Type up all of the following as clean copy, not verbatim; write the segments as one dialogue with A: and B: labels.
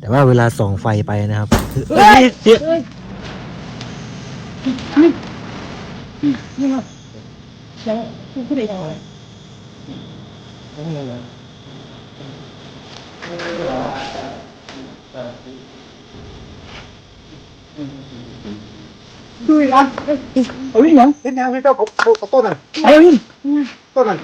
A: แต่ว่าเวลาส่องไฟไปนะครับ
B: นี่มาแล้วผู้ใดเอาอะไรดูอีกอันเอาวิ่งยังเล่นยังไม่เจ้าเขาต้นอ่ะเอาวิ่งต้นอ่ะ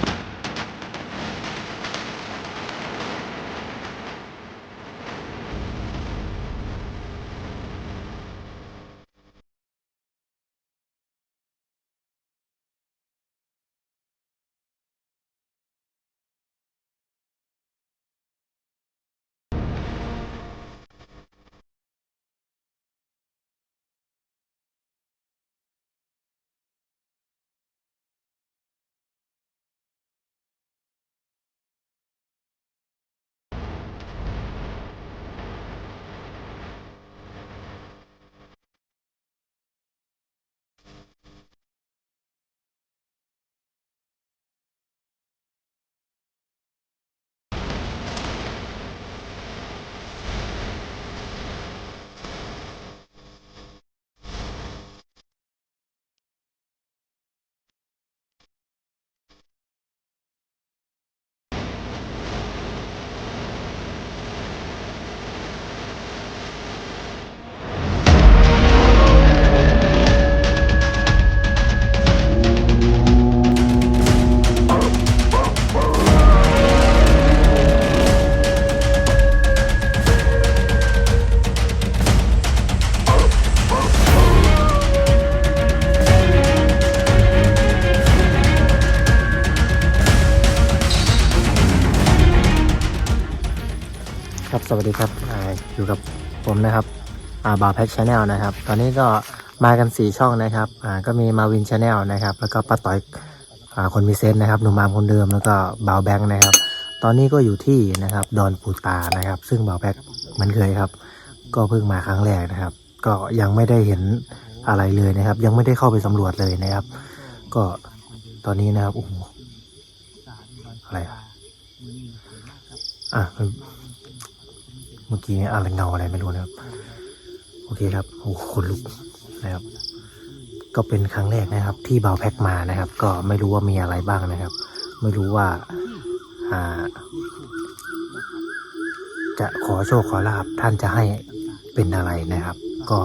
A: ครับสวัสดีครับอยู่กับผมนะครับบ่าวแพ็กชาแนลนะครับตอนนี้ก็มากัน4ช่องนะครับก็มีมาวินชาแนลนะครับแล้วก็ป้าต่อยคนมีเซนนะครับหนุ่มอามคนเดิมแล้วก็บ่าวแบงค์นะครับตอนนี้ก็อยู่ที่นะครับดอนปูตานะครับซึ่งบ่าวแพ็กเหมือนเคยครับก็เพิ่งมาครั้งแรกนะครับก็ยังไม่ได้เห็นอะไรเลยนะครับยังไม่ได้เข้าไปสำรวจเลยนะครับก็ตอนนี้นะครับโอ้โหอะไรเมื่อกี้อะไรเงาอะไรไม่รู้นะครับโอเคครับโอ้คนลุกนะครับก็เป็นครั้งแรกนะครับที่บ่าวแพ็กมานะครับก็ไม่รู้ว่ามีอะไรบ้างนะครับไม่รู้ว่าจะขอโชคขอลาภท่านจะให้เป็นอะไรนะครับก็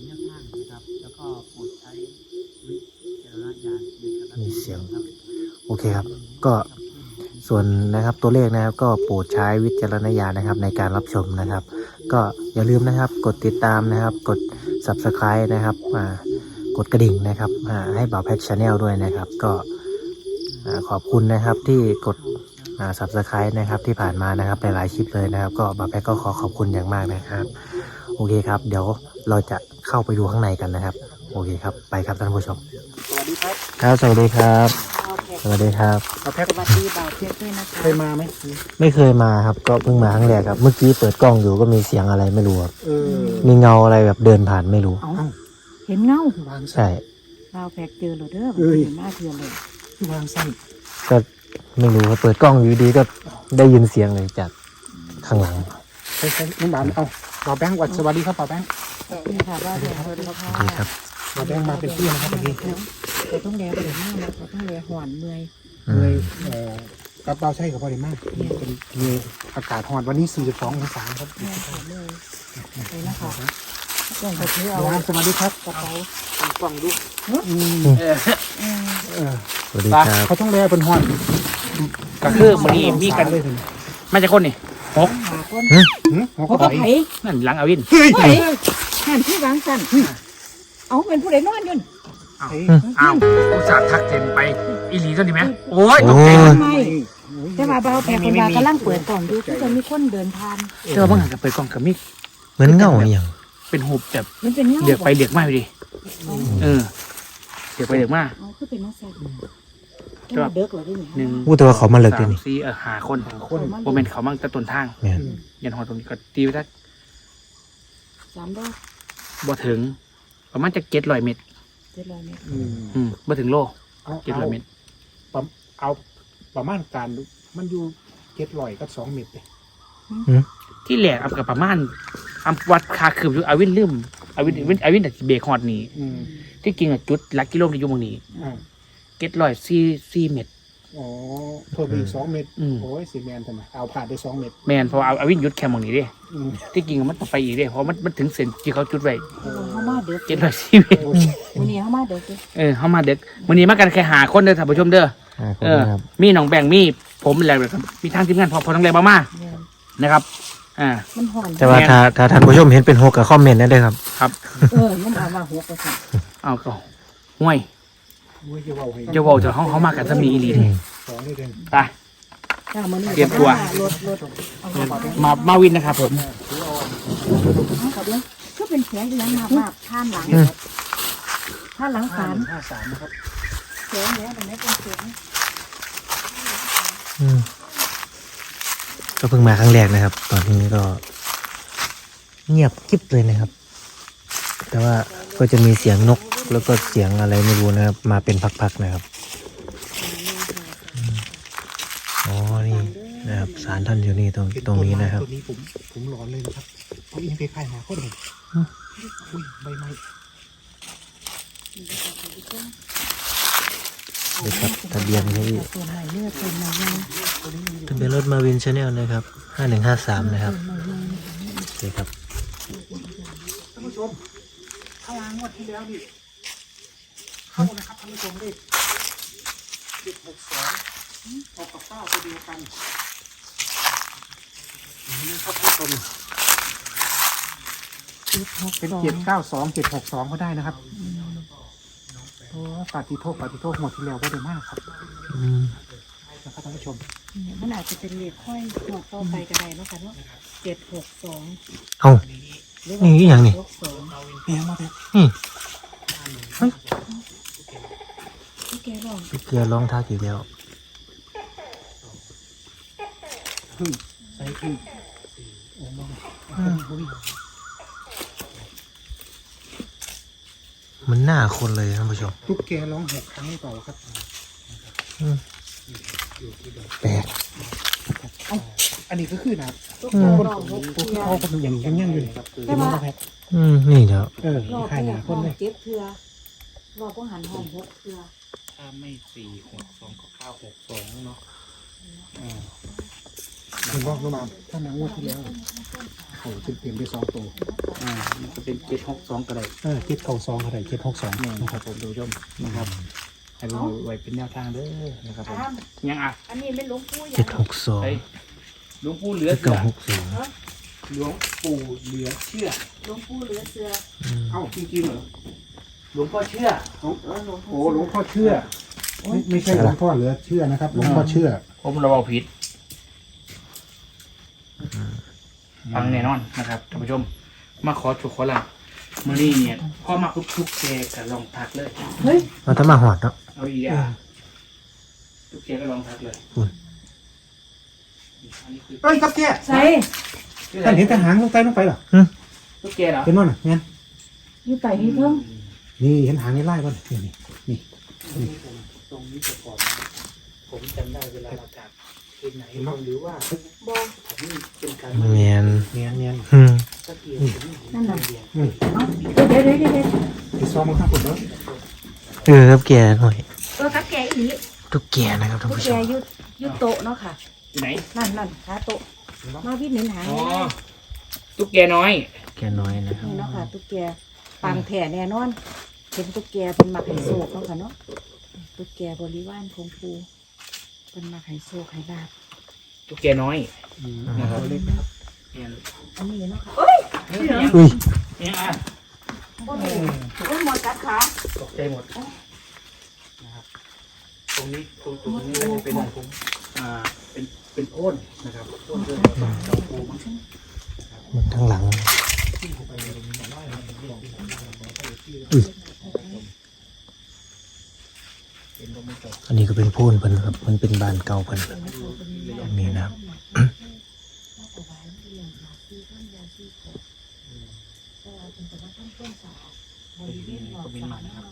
A: มีเสียงโอเคครับก็ส่วนนะครับตัวเลขนะครับก็โปรดใช้วิจารณญาณนะครับในการรับชมนะครับก็อย่าลืมนะครับกดติดตามนะครับกด Subscribe นะครับกดกระดิ่งนะครับให้บ่าวแพ็กชาแนลด้วยนะครับก็ขอบคุณนะครับที่กดSubscribe นะครับที่ผ่านมานะครับหลายๆคลิปเลยนะครับก็บ่าวแพ็กก็ขอบคุณอย่างมากนะครับโอเคครับเดี๋ยวเราจะเข้าไปดูข้างในกันนะครับโอเคครับไปครับท่านผู้ชม
B: สวัสดีครับ
A: ครับสวัสดีครับสวัสดีครับ
B: เอาแพ็คสวัสดีบ่าวเพียรด้วยนะคะเคยมาไหม
A: ไม่เคยมาครับก็เพิ่งมาครั้งแรกครับเมื่อกี้เปิดกล้องอยู่ก็มีเสียงอะไรไม่รู้ครับมีเงาอะไรแบบเดินผ่านไม่รู้
C: เห็นเงา
A: ใช่
C: บ่าวแพ็กเจอหรอเด้อเห็นหน้าเทือนเลยว
B: างสั้น
A: ก็ไม่รู้ครับเปิดกล้องอยู่ดีก็ได้ยินเสียงเลยจากข้างหลัง
B: ใช่น้องบ่าวเอาบ่าวแบงค์สวัสดีครับบ่าวแบงค์
C: นี่ค่ะบ่าวแพ็กสวัสดี
A: ครับ
B: บ่าวแบงค์มาเป็นพี่นะครับวันนี้
C: เราต้องแลเดี๋ยวมากนะเราต้องแลหอนเมื่อย
B: กระเป๋าใช่กับพอดีมากมีอากาศหอนวันนี้42 องศาครับ
C: แม่ค่ะเลยเลยนะคะกล่องกระเทียม
B: สวัสดีครับ
C: กระเป๋
B: ากล่องดู
A: สวัสดีครับ
B: เขาต้องแลเป็นหอน
D: ก็คือมันนี่มีกันเลยมันจะคนนี่หก
C: หกไผ่
D: นั่นหลังอาวิน
C: ไผ่หันที่วางสั่นเอาเป็นผู้ใดนอนยุ่น
D: อ้าวอุตส่าห์ทักเห็นไปอีหลีตัวนี้ไหมโอ้ยตกใจ
C: ไม่แต่ว่าบ่าวแพ็กคนว่ากำลังเปิดกล่องดูที่จะมีคนเดินผ่าน
D: เจอบ้างกับเปิดกล่องกับมิก
A: เหมือนเงาอย่าง
D: เป็นหุบแบบ
C: มันเป็นเงา
D: เดือกไปเดือกมาอยู่ดิเดือกไปเดือกมา
C: คือเป็นนักแสดงก็เดือกเหรอที่นี่
A: พูดแต่ว่าเขามาเลิกดินี่
D: หาคนโมเมนต์เขามั่งแต่ต้นทางยันหอตรงนี้ก็ตีไปสัก
C: 3 ดอก
D: บ่ถึงประมาณจะ700 เมตรบ่ถึงโล700 เมตร
B: เอาประมาณการมันอยู่700 กับ 2 เมตรเลย
A: อืม
D: ที่แหลกเอากับประมาณอำวัดคาคืบอยู่อาวินลืมอาวินแต่เบรกฮอดนี่
B: อืม
D: ที่จริงอะจุดหลักกิโลที่อยู่ตรงนี้
B: อ่า
D: เก็ตร้อยสี่เม็ด
B: อ๋อเพิ่มไปอีก2 เม็ด
D: อืม
B: โอ้ยสีแมนทำไมเอาผ่านได้2 เม็ด
D: แมนเพออาวินยุดแคมป์ตรงนี้เด้
B: อืม
D: ที่จริงมันต้องไปอีกเด้เพราะมันถึงเส้นที่เขาจุดไว้
C: เขามาเด็ก
D: เก็ตร้อยสี่เม็ด
B: โอ้ย
C: วันนี้เขามาเด็กเลย
D: เข้ามาเด็กวันนี้มากันแค่หาคนเด้อท่านผู้ชมเด้อ
A: ขอบคุณครับ
D: มีน้องแบงค์มีผมอะไรแบบมีทางทีมงานพอทั้งแรงมานะครับ
C: มันห่อน
A: แต่ว่าถ้าท่านผู้ชมเห็นเป็นหกกับคอมเมนต์ได้เลยครับ
C: มันเอามาหัวกระสับ
D: เอาก็ห่วย
B: โอ้ยจะเว้าให้
D: จะว่าจะเขามากันจะมีอีหลี
A: อืม
B: สองนี่เอง
D: ไป
C: จ้ามันนี่
D: เตรียมตัว
C: รถ
D: มาวินนะครับผม
C: เอากับเลยก็เป็นแผลอยู่ยังมาท่านหลังท่านหลังศาล
B: 53นะครับ
C: แผลแล้วแต่ไม่เป็นแผล
A: อืมก็เพิ่งมาครั้งแรกนะครับ ตอนนี้ก็ เงียบกิ๊บเลยนะครับ แต่ว่าก็จะมีเสียงนกแล้วก็เสียงอะไรไม่รู้นะครับ มาเป็นพักๆนะครับอ๋อนี่นะครับศาลท่านอยู่นี่ตรงนี้นะครับ
B: ตัวนี้ผมร้อนเลยนะครับเอาอินไปค่ายหาโคตรเลยอุ้ยใบไม้
A: นี่ครับทะเบียนที่
C: ตัวใหม่เลือดตัวใหม่ยัง
A: ทะเบียนรถมาวินชาแนลนะครับ5153นะครับนี่ครับ
B: ท่านผู้ชมข้างล่างงวดที่แล้วนี่เข้านะครับท่านผู้ชมเลข762ออกกับ9ตัวเดียวกันนี่ครับท่านผู้ชมเป็น792 762ก็ได้นะครับโอ้ปาฏิโทษหมดที่แล้วก็ได้มากครับ
A: อืม
B: นะครับท่านผู้ชม
C: มันอาจจะเป็นเหล็กค่อยหอกเข้าไปก็ได้เนาะค่ะเนาะ762
A: เอ้านี่อีหยังนี่
B: เปียมาเลย
A: นี่
C: ที่แกบอก
A: พี่เกลือร้องทักอีกแล้ว
B: ใส่ขึ้นโอ้มาอุ้ย
A: มันหน้าคนเลยท่านผู้ชม
B: ตุ๊กแกร้อง6 ครั้งต่อครับ
A: แปลก
B: อันนี้ก็คือนะครับ
C: ตุ๊กแกร้อง6
B: ตัว
C: เทื่อ
B: เขาเป็นอย่างยังยังอยู่เลยครับเป็นมาแพ็ค
A: นี่เดี๋ยว
C: รอบ
B: ค่าย
C: แร
B: หาก ค
C: ห้อน ง
B: เลย
C: 7เทื่อรอบพวกหันห้อง6เทื่อ
D: ถ้าไม่462ก็962เนาะ
B: เห็นบอกลงมาถ้านางงวดที่แล้วโอ้เต็มไป2 ตัว
D: มันจะเป็น762ก็ได้
B: 792อะไร762
D: นี่นะครับผมดูชมนะครับให้ดูไว้เป็นแนวทางเด้อนะครับผมยังอ่ะ
C: อันนี้ไม่หลวงปู่ยั
A: 762
D: เฮ้ยหลวงปู่เหลือ
A: เก้า
D: เชื่อ
A: หกสอง
D: หลวงปู่เหลือเชื่อ
C: หลวงปู่เหลือเสือ
B: เอ้าจริงๆเหรอ
D: หลวงพ่อเชื่อ
C: หลวง
B: โอ้หลวงพ่อเชื่อไม่ใช่หลวงพ่อเหลือเชื่อนะครับหลวงพ่อเชื่อ
D: ผมระวังผิดฟังแน่นอนนะครับท่านผู้ชม มาขอจุกขอหลับมื่อนี้เนี่ยพ่อมาทุกๆแกกับลองทักเลย
C: เฮ้ย
A: เราถ้ามาหอดเนาะ
D: เอาอีกอ่ะทุกแกก็ลองทักเลย
A: คุณ
D: อันนี้คือ
B: เอ้ยครับแก
C: ใส่
B: ท่านเห็นทหารลงไปเหรอ
D: ทุกแกเหรอ
B: เห็นมั้ยน่ะเนี่ย
C: อยู่ไต่นี่เพิ่ง
B: นี่เห็นหางในไล่ป่ะนี่
D: ตรงนี้จะก่อนผมจำได้เวลาเราจับที่ไหนหรือว่า
C: บอ
D: ผมเป็นการ
A: เมียน
B: เนียน
D: สักที
C: นั่นน่ะ
D: เดียว
C: เดี๋ยว
B: ไปซ้อมมาข้างบนแล้ว
A: ครับแกหน่อย
C: กับแกอีหลี
A: ตุ๊กแกนะครับท่าน
C: ตุ๊ก
A: ผู้ช
C: แก
A: ม
C: ยุดโต๊ะเนาะค่ะ
D: ที่ไหน
C: นั่นหาโต๊ะมาวิทย์เน้นหา
D: อ๋อ
C: นี่
D: ตุ๊กแกน้อย
A: แกน้อยนะครับ
C: เนาะค่ะตุ๊กแกปังแผ่แน่นอนเป็นตุ๊กแกเป็นมักไฮโซกเนาะค่ะเนาะตุ๊กแกบริวารของปูเป็นมักไฮโซไฮลาบ
D: ตุ๊กแกน้อยนะครับ
B: เล็กนะครับ
D: เนี่ย
C: อันนี้เนาะค่ะเอ้ย
A: อุ้ย
D: เนี่ยอ่ะ
C: โอ้ยหมดกัดขา
D: ตกใจหมดนะครับตรงนี้ตรงนี้ก็จะเป็นผมเป็นโอนนะครับโอนเรื่องของเจ้าปูมั้ง
A: มันทั้งหลังอันนี้ก็เป็นโพ่นเพิ่นครับ มันเป็นบ้านเก่าเพิ่นอันนี้นะครับ
D: ก็เป็นหมันนะครับ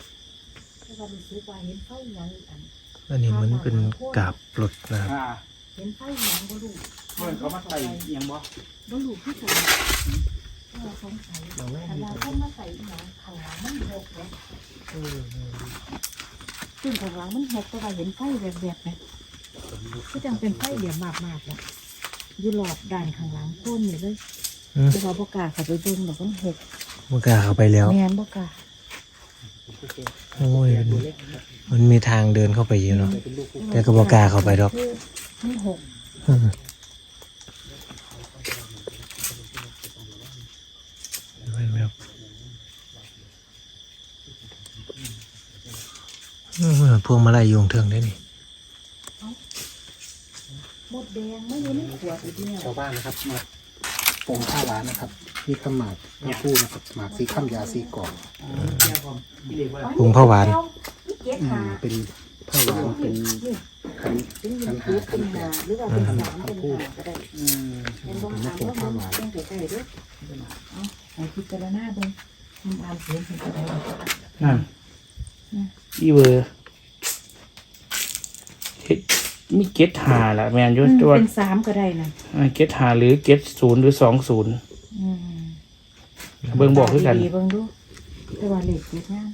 A: อันนี้มันเป็นกาบรถนะครับ
D: อ่า
C: เห็นไฟหยังบ่รู้
D: เมื่อเขามาใส่เอียงบ่
C: บ่รู้คือกันเราสงสัยแต่เราต้องมาใส่หยังข้างหลังมันหกเลยซึ่งข้างหลังมันหกแต่ว่าเห็นไฟแบบๆไหมก็จังเป็นไฟเหลี่ยมมากๆแล้วอยู่รอบด้านข้างหลังต้นนี่เลยแต่ว่าบ่กล้าเข้าไปเบิ่งดอกมันหก
A: มันกล้าเข้าไปแล้ว
C: แม่นบ่กล้า
A: โอ้ยมันมีทางเดินเข้าไปอยู่เนาะแต่ก็บอกล้าเข้าไปดอก
C: นี่หก
A: อืมพวงมาลัยยุงเทิงได้นี่
C: หมดแดงไม่อยู่ในขวดอีกแล้ว
B: ชาวบ้านนะครับมาปงข้าวหวานนะครับมีขหมากทั้งคู่นะครับหมากสีข้ามยาสีกรอบ
A: ปรุงข้าวหวาน
B: เป็นข้าวหวานเป็นขันขันหาขันแปด
C: หรือว่าเป็นสามเป็นห้าก็ได้ เป็นบ้อง
B: มา
C: ถาม
B: ปง
C: ว่า
B: ข้าวห
C: มั
B: วาน
C: นต้องใส่ด้วยเอาให้พิจารณาเบิ่งมันอ่านเสียงเป็นอะไร
D: นั่นอีเวอร์เฮ็ดมีเกตหาล่ะแมนอยุ่ตัว
C: เป็นสามก็ได้นะ
D: เกตหาหรือเกตศูนย์หรือ20เบิ่งบอกคือกัน
C: ดีๆเบิ่งดูแต่ว่าเลขเจ็ดงาม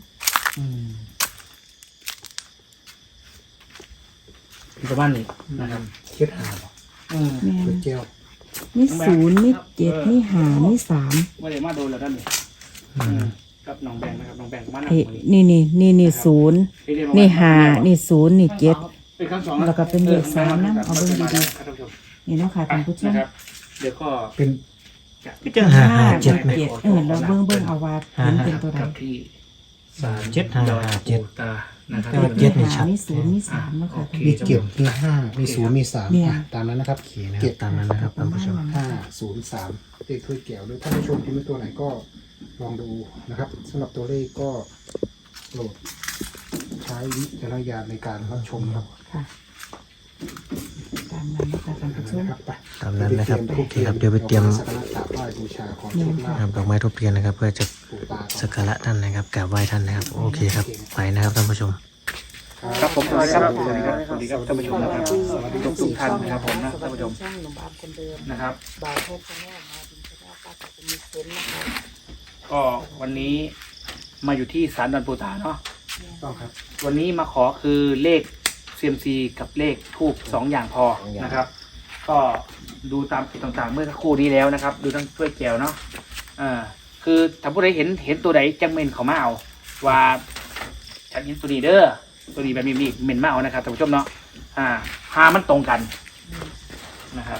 D: ประมาณนี้นะครับ
B: เค็ดหาบ่
C: แม่น
B: เป็นเจล
C: มีศูนย์มีเจ็ดมีห้ามีสาม
D: ว่าเดี๋ยวมาโดนแล้วด้านนี้กับน้องแบงค์นะครับน้องแบงค์มาหนัก
C: ไอ้
D: กว่านี้
C: นี่ศูนย์นี่ห้านี่ศูนย์นี่เจ็ด
D: เป็นครั้งสอง
C: แล้วก็เป็นเลขสามนะเอาเบิ่งดีๆ
D: ครับท่านผู้ชม
C: นี่เนาะค่ะท่านผู้ชม
D: นะครับ เดี๋ยวก็
B: เป็น
A: ก็จะหาเจ็ดไหม
C: เราเบิ่งเอาว่าเห็นเป็นตัวใด
D: กับที่ศาล
A: เจ็ดห้า
D: ดอย
A: เจ็ด
D: ปู่ตานะครับ
A: แต่ว่าเจ็ดนี่ชัด
C: มีศูนย์มีสามเนาะค่ะ
B: มีเก็บมีห้ามีศูนย์มีสาม
C: เนี่ย
B: ตามนั้นนะครับ
A: โอเคนะครับตามนั้นนะครับท่านผู้ชม
B: 503เลขถ้วยแก้วหรือท่านผู้ชมที่ไม่ตัวไหนก็ลองดูนะครับสำหรับตัวเลขก็โปรดใช้วิจารณญาณในการรับชมครับ
C: ค่ะตามนั้นนะคะท่านผู้ชม
B: นะครับไป
A: ตามนั้นนะครับโอเคครับเดี๋ยวไปเตรียม
B: สักการะกราบไหว้บูชาขอโชคลา
A: นะครับดอกไม้ทุบเทียนนะครับ เพื่อจะ
B: ปู่ตาก่อน
A: สักการะท่านนะครับกราบไหว้ท่านนะครับโอเคครับไปนะครับท่านผู้ชม
D: ครับผมสวัสดีครับสวัสดีครับสวัสดีครับท่านผู้ชมนะครับสวัสดีทุกท่านนะครับผมนะท่านผู้ชม
C: ช่างหนุ่มบามคนเดิม
D: นะครับ
C: บ่าวโทษชาแนลมาดินชาแนลป้าจะมีเซนต์นะคะ
D: ก็วันนี้มาอยู่ที่ศาลดอนปูตาเนาะ
B: ต้องครับ
D: วันนี้มาขอคือเลข CMC กับเลขทูบ2 อย่างพอนะครับ ก็ดูตามจุดต่างๆ เมื่อสักครู่นี้แล้วนะครับ ดูทั้งถ้วยแก้วเนาะคือถ้าผู้ใดเห็นตัวใดจังเมนเขามาเอาว่าฉันเห็นตัวนี้เด้อตัวนี้แบบนี้เมนมาเอานะครับท่านผู้ชมเนาะหามันตรงกันนะครับ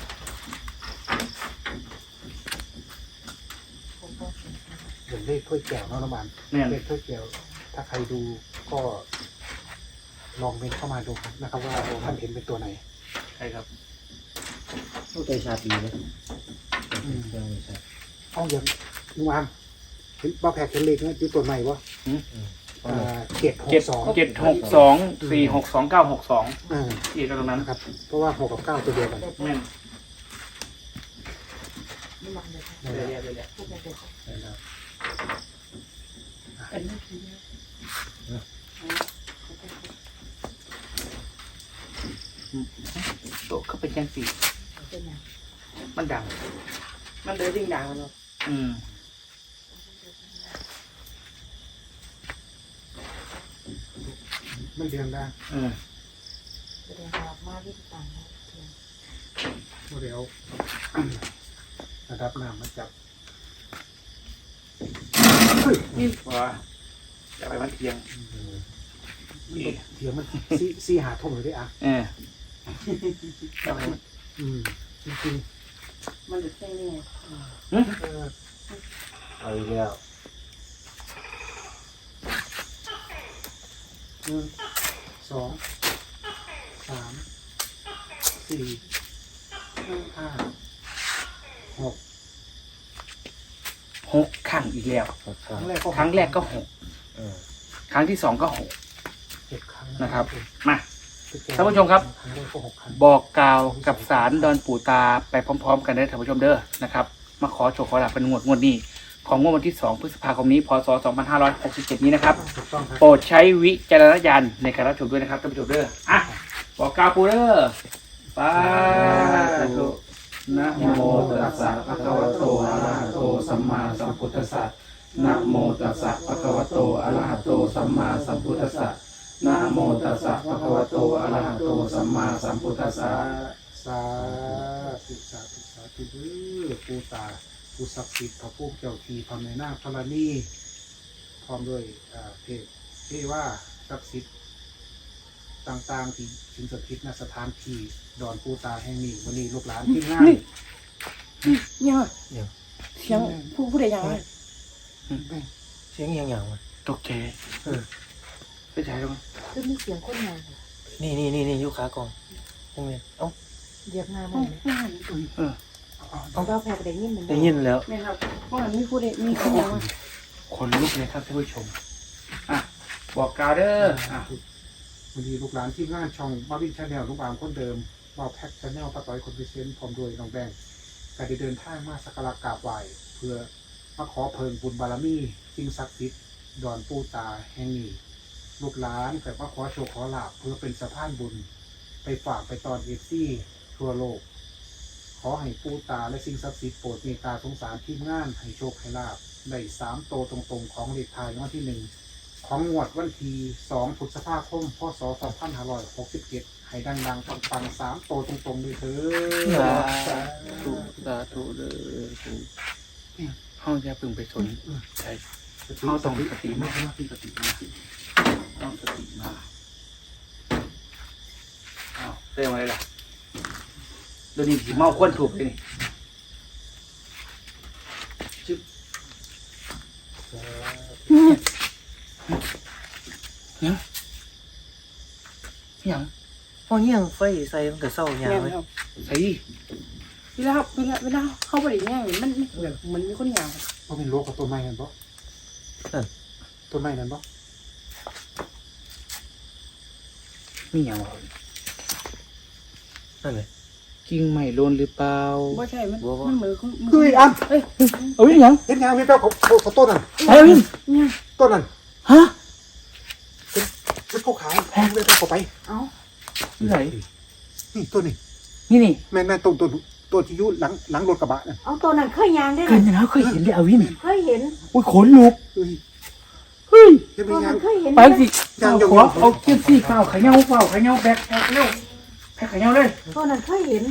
B: เห็นเลขถ้วยแก้วเนาะน้องบาน
D: เนี่ย
B: เลขถ้วยแก้วถ้าใครดูก็ลองเมนเข้ามาดูครับนะครับว่าท่านเห็นเป็นตัวไหน
D: ใช่ครับ
A: ใจชาดีนะ
B: เอาอย่างลุงอามเห็นบ้าแพกเห็นเลขเนี่ยอยู่ตัวไหนวะ762
D: 762 462 962ที่ตรงนั้น
B: นะครับเพราะว่า6กับ9ตัวเดียวกัน
D: แม่น
C: นี่มันเลยค่ะ
D: เรื่อยๆ
C: พูดไปเลยค่ะเป็นไม่ทีเดียว
D: โตก็เป็นจังสี
C: เป็นไง
D: มันดัง
C: มันเลยยิ่งดังเนาะ
B: ไม่เรียงได้
C: แสดงว่ามาที่ต่างนะ
B: เดี๋ยว ระดับน้ำมาจับ
D: นี่ว่าจะไปมันเทียง
B: เดี๋ยวมันซี่หาทุ่มเลยดิอ่ะ
D: จะไปมัน
B: จริง
C: มันจะเป็นยังไง
A: เอาอีกแล้ว
B: 2 3 4 5 6
D: 6 ครั้งอีกแล้ว ครั้งแรกก็6 ครั้งที่ 2 ก็
B: 6 ครั้ง
D: 6 นะครับ มาท่านผู้ชมครับ
B: ครั้งแรกก็6 ครั้ง
D: บอกกล่าวกับศาลดอนปู่ตาไปพร้อมๆ กันได้ท่านผู้ชมเด้อนะครับ มาขอโชคขอลาภเป็นงวดนี้ ของงวดวันที่ 2 พฤษภาคมนี้ พศ 2567 นี้นะครับ
B: ถูกต้องครับ
D: โปรดใช้วิจารณญาณในการรับชมด้วยนะครับท่านผู้ชมเด้อบอกกล่าวปู่เด้อสาธุนะโมตัสสะภะคะวะโตอะระหะโตสัมมาสัมพุทธัสสะนะโมตัสสะภะคะวะโตอะระหะโตสัมมาสัมพุทธัสสะนะโมตัสสะภะคะวะโตอะระหะโตสัมมาสัมพุทธัสสะ
B: สาธุสาธุสาธุเด้อปู่ตาผู้ศักดิ์สิทธิ์พระผู้เจ้าที่พระแม่นางธรณีพร้อมด้วยเทพเทว่าศักดิ์สิทธิ์ต่างๆที่สิงสถิตณสถานที่ดอนปู่ตาแห่งนี้วันนี้ลูกหลานที่งาน
C: เนี่ย
A: เดี๋ยว
C: เสียงผู้ใดยังไง
A: เสียงอย่างวะ
D: ตกใจไปใช้ตรง
C: คือมีเสียงคนงาน
A: นี่ยุคขากองตรงนี้เอ้า
C: เหยียบหน้ามันเอาแพกได้ยินมัน
A: ได้ยินแล้ว
C: ไม่ครับว่ามันมีผู้ใดมีคนยัง
D: คนลุกเลยครับท่านผู้ชมอ่ะบอกกล่าวเด้ออ่ะ
B: วันนี้ลูกหลานที่งานช่องบ้าวินชาแนลลูกบางคนเดิมบ้าแพ็กชาแนลป้าต้อยคนพิเศษพร้อมด้วยน้องแบงค์การได้เดินทางมาสักการะกราบไหว้เพื่อมาขอเพิ่มบุญบารมีสิ่งศักดิ์สิทธิ์ดอนปู่ตาแห่งนี้ลูกหลานแต่ว่าขอโชคขอลาภเพื่อเป็นสะพานบุญไปฝากไปตอนเอฟซีทั่วโลก ขอให้ปู่ตาและสิ่งศักดิ์สิทธิ์โปรดเมตตาสงสารทีมงานให้โชคให้ลาภได้3 โตตรงๆของเลขท้ายรางวัลที่ 1 ของงวดวันที่2 พฤษภาคม พศ 2567 ให้ดังๆปังๆ3 โตตรงๆด้วยเถิด
D: สาธุเด้อห้องจะพึงไปสนใช่เขาต้องสติมากสติมากต้องสติมากอ้าวเรื่องอะไรล่ะเดี๋ยวนี้ผีเมาควนถูกเลยนี่จึ๊บยังยัง
A: พอเงี้ยงไฟใส่มันก็เศร้าอย่างเลย
D: ใส่
C: เวลาเข้าไปได้แง่มันมีคนยัง
B: เพราะเป็นโรคกับต้นไม้นั่นปะต้นไม้นั่นปะ
D: มีอย่างวะ
A: นั่นเลย
D: กิ่งไม้โลนหรือเปล่า
C: ไม่ใช่มันมือ
B: เฮ้ยอัน
D: เอ้ยยัง
B: เห็นยังพี่เป้าเขาต้นนั่น
D: เอ้ย
B: ต้นนั่น
D: ฮะ
B: เป็นเขาขาวแพงเลยเขาไป
C: เอ้า
D: ที่ไหน
B: นี่ต้นนี่
D: นี่
B: แม่ต้นที่อยู่หลังรถกระบะนั่น
C: เอาตัวนั้นเคยยางได้
D: เคยเห็นแล้วเคยเห็นเลยอาวิน
C: เคยเห็น
D: อุ้ยขนลุก
B: เฮ้ย
D: เฮ้ย
B: เห็นไหม
C: ตัว
B: ยั
C: นั้
B: ง
C: นเคยเห็น
D: ไปสิขอเอาเทียบซี่เปล่าขยเงาแบกเร็วแบกขยเงาเลย
C: ตัวนั้นเคยเห็น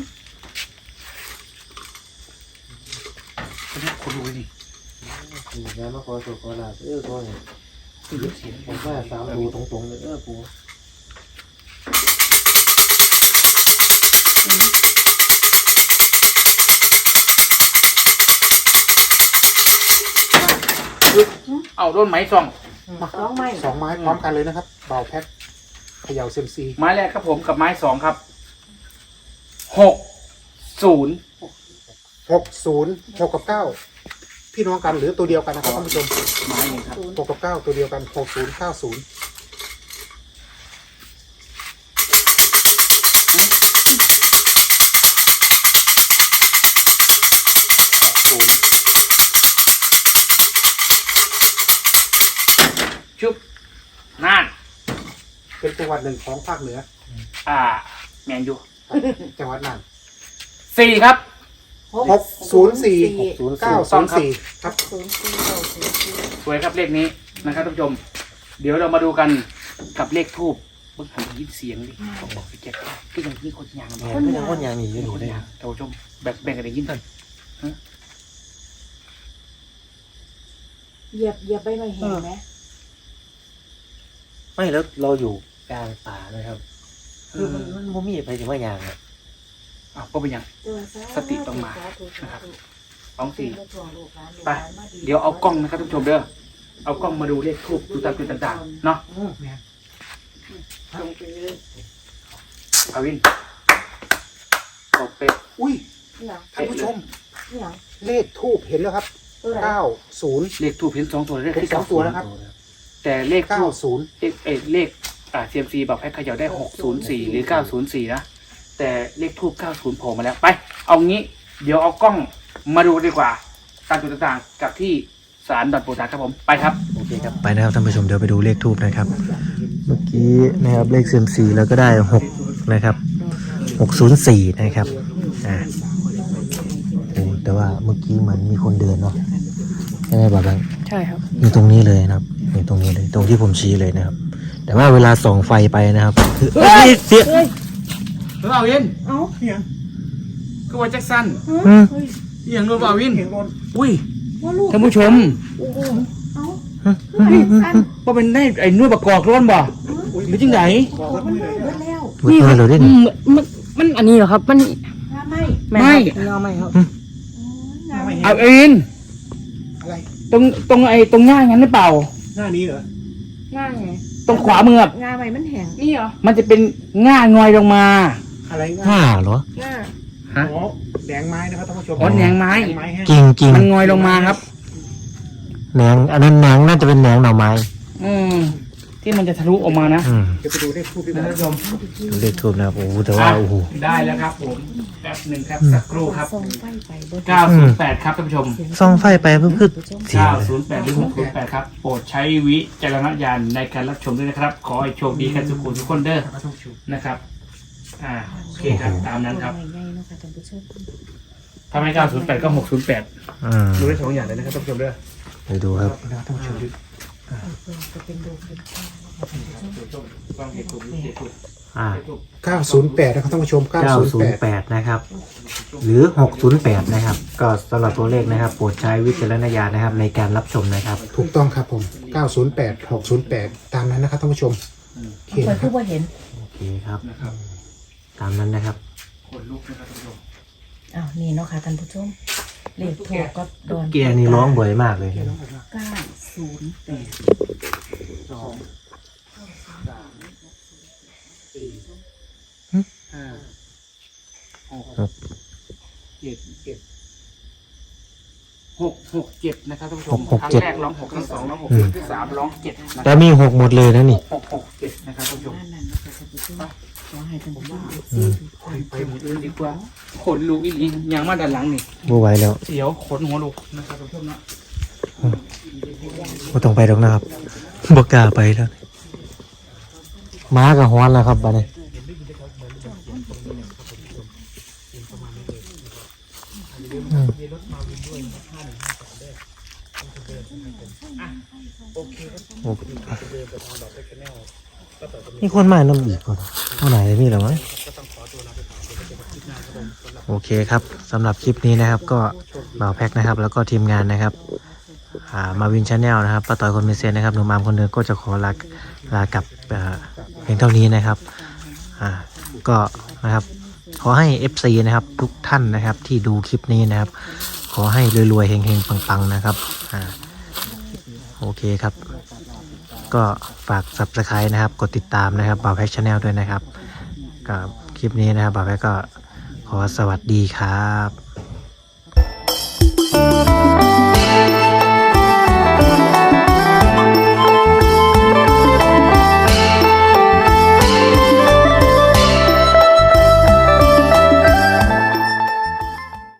D: คนรู้นี่
A: งานมาขอโชคขอลาภก็เนี่ย
D: คือเสียง
A: ผมว่า3 ตัวตรงๆเลยปู
D: เอาโดนไหมส่อง
C: 2 ไม้
B: 2 ไม้พร้อมกันเลยนะครับเบาแพ็คเขย่าเซมซี
D: ไม้แรกครับผมกับไม้2ครับ60
B: 60 6 กับ 9 พี่น้องกันหรือตัวเดียวกันนะครับท่านผู้ชม
D: ไม้หนึ่งครับ
B: 6 กับ 9 ตัวเดียวกัน 60 90
D: ชุบนั่น
B: เป็นจังหวัดหนึ่งของภาคเหนือ
D: แมนยู
B: จังหวัดน่าน
D: 4ครับ
B: 604 904 ครับ
D: สวยครับเลขนี้นะครับท่านผู้ชม เดี๋ยวเรามาดูกันกับเลขทูบเมื่อกี้ยินเสียงดิเขาบอกพี่แจ็คก็ยังมีคนยาง
A: แม่ก็ยังคนอย่างนี้อยู่
D: มีคน
A: เลย
D: ยางท่านผู้ชมแบ่งกันได้ยินกัน
C: เหยียบใบไม้แห้งไหม
A: ไม่แล้วเราอยู่กลางป่านะครับคือมันบ่มีไปถึงว่าอย่างอ่ะ
D: ก็เป็นยัง สติต้องมานะครับ 2 4ไปเดี๋ยวเอากล้องนะครับท่านผู้ชมเด้อเอากล้องมาดูเลขทูบดูตามจุดต่างๆเนาะ
B: แม่น
D: อาวินบอกเป็ด
B: อุ้ย
C: เนี่ย
B: ท่านผู้ชม
C: เนี่ย
B: เลขทูบเห็นแล้วครับ
C: ตัวไหน
B: 90
D: เลขทูบเห็น2 ตัวเลข
B: เห็น
D: ที่
B: สองตัวแล้วครับ
D: แต่เลขทูบ
B: 90
D: เลขCMC บอกให้เขย่าได้604หรือ904นะแต่เลขทูบ90โผล่มาแล้วไปเอางี้เดี๋ยวเอากล้องมาดูดีกว่าตามจุดต่างๆกับที่ศาลดอนปูตาครับผมไปครับ
A: โอเคครับไปนะครับท่านผู้ชมเดี๋ยวไปดูเลขทูบนะครับ เมื่อกี้นะครับเลขเซียมซีแล้วก็ได้6นะครับ 604นะครับโอ้แต่ว่าเมื่อกี้เหมือนมีคนเดินเนาะใช่ไหมบาบัง
C: ใช่ครับ
A: อยู่ตรงนี้เลยนะครับอยู่ตรงนี้เลยตรงที่ผมชี้เลยนะครับ แต่ว่าเวลาส่องไฟไปนะครับคือเสีย
D: เอาวิน
C: เอ้า
B: เนี่ย
D: ก็ว่าแจ็คสัน
A: อืม
D: อย่างนู้นเอาวิน
B: เห็นรถ
D: อุ้ย
C: ว่าลูก
D: ท่านผู้ชม
C: โอ้โหเอ้า
D: ว่าเป็นได้ไอ้นวดประกอบร้อนบ่หรือจังไหน
B: บอก
C: ขอ
B: ว่า
C: มัน
B: ไม่
C: ไม่
B: เลย
C: เบิดแล้ว
A: เมื่อกี้เราได้
E: มันอันนี้เหรอครับ มัน
C: งาไม่
D: ไม่
E: เงาไม่ครับ
C: งาไม่
D: เอาเอ็น
B: อะไร
D: ตรงไอ้ตรงง่ายงั้นหรือเปล่า
B: หน้านี้เหรอ
E: ง่ายไง
D: ตรงขวามือ
C: งาไม่มันแห้ง
E: นี่เหรอ
D: มันจะเป็นง่างอยลงมา
B: อะไรง่าย
A: ห้าเหรอ
E: ง่า
D: ฮะ
B: อ๋อแดงไม้นะครับท่านผู้ชม
D: อ๋อแหนงไม้
B: แดงไม้แห้ง
A: จริงจริง
D: มันงอยลงมาครับ
A: แหนงอันนั้นแหนงน่าจะเป็นแหนงหน่อไม้
D: อืมที่มันจะทะลุออกมานะ
A: อืม
B: เดี๋ยวไปดูเลขทูบดีก
D: นะ
B: ว่า
D: ท่านผู้ชม
A: ดูเลขทูบนะครับโอ้โหแต่ว่าโอ้โห
D: ได้แล้วครับผมแป๊บหนึ่งครับสักครู่ครับ
C: ส่องไฟไปเบิด
D: 908 ครับท่านผู้ชม
A: ส่องไฟไปเพิ่งเสียงเลย
D: 908 หรือ 608 ครับ โปรดใช้วิจารณญาณในการรับชมด้วยนะครับ ขอให้โชคดีกันทุกคนทุกคนเด้อ
B: ท่านผู้ชม
D: นะครับ โอเคครับ ตามนั้นครับ
C: ง่ายๆเนาะค่ะท่านผู้ชม
D: ถ้าไม่908 ก็ 608
A: อืม
D: ดูได้สองอย่างเลยนะครับท่านผู้ชมเด้อ
A: ไปดูครับ
B: นะท่านผู้ชมดู
C: จะเป็นดูเป็นข้าว
D: ฟังเหตุผลเหตุผล
A: อ่า
B: 908นะครับท่านผู้ชม908
A: 908นะครับ หรือ608นะครับ ก็สำหรับตัวเลขนะครับ โปรดใช้วิจารณญาณนะครับในการรับชมนะครับ
B: ถูกต้องครับผม908 608ตามนั้นนะครับท่านผู้ชมโอเค
C: เปิด
B: นะค
C: คื
B: รั
C: อบ ว่าเห็น
A: โอเคครับ
D: นะครับ
A: ตามนั้นนะครับ
D: ขนลุกนะครับท่านผู้ชม
C: อ้าวนี่เนาะค่ะท่านผู้ชมเลขถูกก็โดน
A: เกียร์นี่ร้องบ่อยมากเลย
C: 908
B: สองห้า
D: 667นะครับท่านผู้ชม
A: 667
D: ครั้งแรกร้อง6ครั้ง2ร้อง6ครั้งที่3ร้อง7นะค
A: แต่
D: รับ
A: มี6หมดเลยนะนี่
D: 667นะครับท่านผู้ชม
C: บ้านนั้นเนาะค่ะท่านผู้ชมขอให้ท่านผู้ชม
D: ไปหมดเลยดีกว่าขนลุกอีหลีอย่างมาด้านหลังนี่
A: บ่ไหวแล้ว
D: เสียวขนหัวลุกนะครับท่านผู้ชมนะ
A: บ่ต้องไปดอกนะครับบ่กล้าไปแล้วม้ากับฮ้อนแล้วครับบัดนี้อืมโอเคมีคนมาน้ำอีกคนเท่าไหร่นี่เหรอมั้งโอเคครับสำหรับคลิปนี้นะครับ ก็บ่าวแพ็กนะครับ แล้วก็ทีมงานนะครับมาวินชาแนลนะครับป้าต่อยคนมีเซนนะครับหนุ่มอามคนเดินก็จะขอลากลับเพียงเท่านี้นะครับก็นะครับขอให้ FC นะครับทุกท่านนะครับที่ดูคลิปนี้นะครับ ขอให้รวยๆเฮงๆปังๆนะครับโอเคครับ ก็ฝาก Subscribe นะครับ กดติดตามนะครับบ่าวแพ็กชาแนลด้วยนะครับกับคลิปนี้นะครับบ่าวแพ็กก็ขอสวัสดีครับ